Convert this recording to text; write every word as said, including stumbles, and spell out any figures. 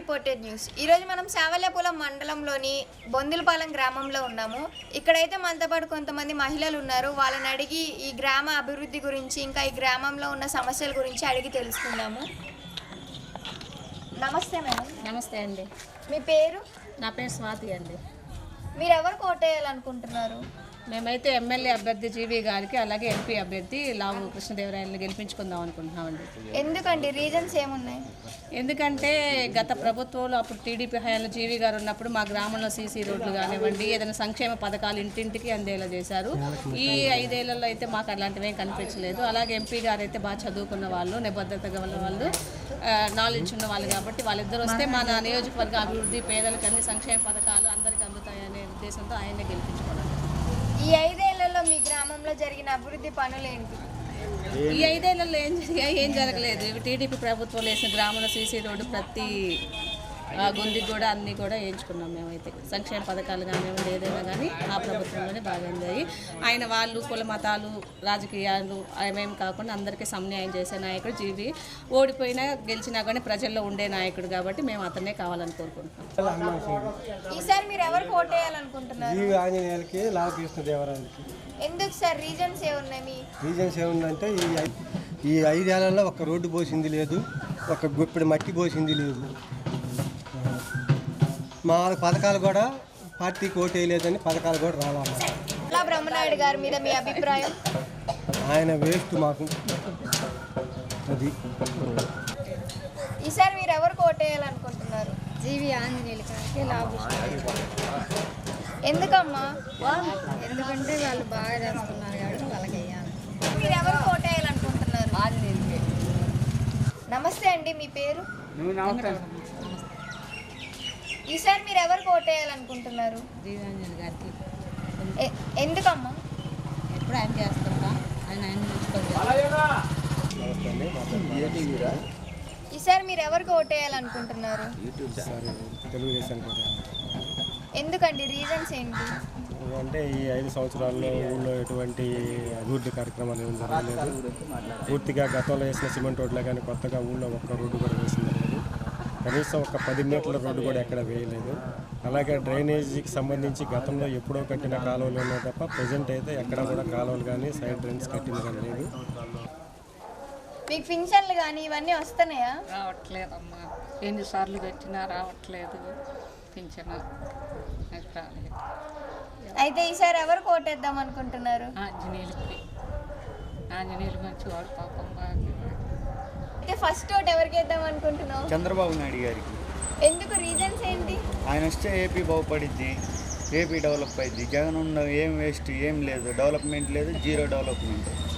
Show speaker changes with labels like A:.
A: Reported news. ఈరోజు మనం శావల్యాపురం మండలంలోని బొందిలపాలెం గ్రామంలో ఉన్నాము. ఇక్కడైతే మనతో పాటు కొంతమంది మహిళలు ఉన్నారు. వాళ్ళని అడిగి ఈ గ్రామ అభివృద్ధి గురించి ఇంకా ఈ గ్రామంలో ఉన్న సమస్యల గురించి అడిగి తెలుసుకుందాము. నమస్తే మేడం.
B: నమస్తే అండి.
A: మీ పేరు?
B: నా పేరు స్వాతి అండి.
A: మీరు ఎవరు కోటేయాలనుకుంటున్నారు?
B: మేమైతే ఎమ్మెల్యే అభ్యర్థి జీవి గారికి అలాగే ఎంపీ అభ్యర్థి లావు కృష్ణదేవరాయలని గెలిపించుకుందాం అనుకుంటున్నామండి.
A: ఎందుకండి? రీజన్స్ ఏమున్నాయి?
B: ఎందుకంటే గత ప్రభుత్వంలో అప్పుడు టీడీపీ హయాంలో జీవి గారు ఉన్నప్పుడు మా గ్రామంలో సీసీ రోడ్లు కానివ్వండి, ఏదైనా సంక్షేమ పథకాలు ఇంటింటికి అందేలా చేశారు. ఈ ఐదేళ్లలో అయితే మాకు అలాంటివేం కనిపించలేదు. అలాగే ఎంపీ గారు అయితే బాగా చదువుకున్న వాళ్ళు, నిబద్ధత గల వాళ్ళు, నాలెడ్జ్ ఉన్న వాళ్ళు కాబట్టి వాళ్ళిద్దరు వస్తే మన నియోజకవర్గ అభివృద్ధి, పేదలకు అన్ని సంక్షేమ పథకాలు అందరికీ అందుతాయనే ఉద్దేశంతో ఆయన్నే గెలిపించుకోవడం.
A: ఈ ఐదేళ్లలో మీ గ్రామంలో జరిగిన అభివృద్ధి పనులు ఏంటి?
B: ఈ ఐదేళ్లలో ఏం జరిగాయి? ఏం జరగలేదు. టీడీపీ ప్రభుత్వంలో వేసిన గ్రామంలో సీసీ రోడ్డు ప్రతి గుందికి కూడా అన్నీ కూడా వేయించుకున్నాం. మేమైతే సంక్షేమ పథకాలు కానివ్వండి ఏదైనా కానీ ఆ ప్రభుత్వంలోనే బాగా అందాయి. ఆయన వాళ్ళు కుల మతాలు రాజకీయాలు అవేం కాకుండా అందరికీ సమన్యాయం చేసే నాయకుడు జీవి. ఓడిపోయినా గెలిచినా కానీ ప్రజల్లో ఉండే నాయకుడు కాబట్టి మేము అతన్నే కావాలని కోరుకుంటున్నాం.
A: ఈసారి మీరు ఎవరు కోటేయాలనుకుంటున్నారు?
C: జీవి ఆంజనేయులకి, లావు కృష్ణదేవరాయలకి.
A: ఎందుకు సార్? రీజన్స్ ఏమున్నాయి? మీ
C: రీజన్స్ ఏముందంటే ఈ ఐ- ఈ ఐదేళ్లలో ఒక రోడ్డు పోసింది లేదు, ఒక గుప్పిడి మట్టి పోసింది లేదు. మా పథకాలు కూడా పార్టీకి ఓటు వేయలేదని పథకాలు కూడా రావాలి.
A: అలా బ్రహ్మనాయుడు గారి మీద మీ అభిప్రాయం?
C: ఆయన వేస్ట్ మాకు అది.
A: ఈసారి మీరు ఎవరు కోటేయాలనుకుంటున్నారు?
D: జీవి ఆంజనేయులు గారికి లాభ
A: ఎందుకమ్మా?
D: ఎందుకంటే వాళ్ళు బాగా చేస్తున్నారు కాబట్టి వాళ్ళకి వేయాలి.
A: మీరు ఎవరు కోటేయాలనుకుంటున్నారు? నమస్తే అండి. మీ పేరు? ఈసారి మీరు ఎవరు కోటేయాలనుకుంటున్నారు?
B: జీవి ఆంజనేయులు గారికి.
A: ఎ- ఎందుకమ్మా?
B: ఎప్పుడు ఆయన చేస్తుంటా ఆయన ఆయన
A: ఈసారి మీరు ఎవరు కోటేయాలనుకుంటున్నారు?
C: సరే, తెలుగుదేశం కూడా.
A: ఎందుకండి? రీజన్స్ ఏంటి?
C: అంటే ఈ ఐదు సంవత్సరాల్లో ఊళ్ళో ఎటువంటి అభివృద్ధి కార్యక్రమాలు ఏమి జరగలేదు. పూర్తిగా గతంలో వేసిన సిమెంట్ రోడ్లే కానీ కొత్తగా ఊళ్ళో ఒక్క రోడ్డు కూడా వేసింది లేదు. కనీసం ఒక పది మీటర్ల రోడ్డు కూడా ఎక్కడ వేయలేదు. అలాగే డ్రైనేజీకి సంబంధించి గతంలో ఎప్పుడో కట్టిన కాలువలు ఉన్నాయి తప్ప ప్రజెంట్ అయితే ఎక్కడ కూడా కాలువలు కానీ సైడ్ డ్రైన్స్ కట్టింది కానీ లేదు.
A: మీకు పింఛన్లు కానీ ఇవన్నీ వస్తున్నాయా?
E: రావట్లేదమ్మా. ఎన్నిసార్లు పెట్టినా రావట్లేదు పింఛను. నాకు రాలేదు.
A: అయితే ఈసారి ఎవరు కోటేద్దాం అనుకుంటున్నారు?
E: ఆంజనేయులకి. ఆంజనేయులు మంచివాడు పాపం బాగా.
A: అయితే ఫస్ట్ ఓట్ ఎవరికి వేద్దాం అనుకుంటున్నావు?
F: చంద్రబాబు నాయుడు గారికి.
A: ఎందుకు? రీజన్స్ ఏంటి?
F: ఆయన వస్తే ఏపీ బాగుపడిద్ది, ఏపీ డెవలప్ అయింది. జగన్ ఉన్న ఏం వేస్ట్ ఏం లేదు, డెవలప్మెంట్ లేదు, జీరో డెవలప్మెంట్.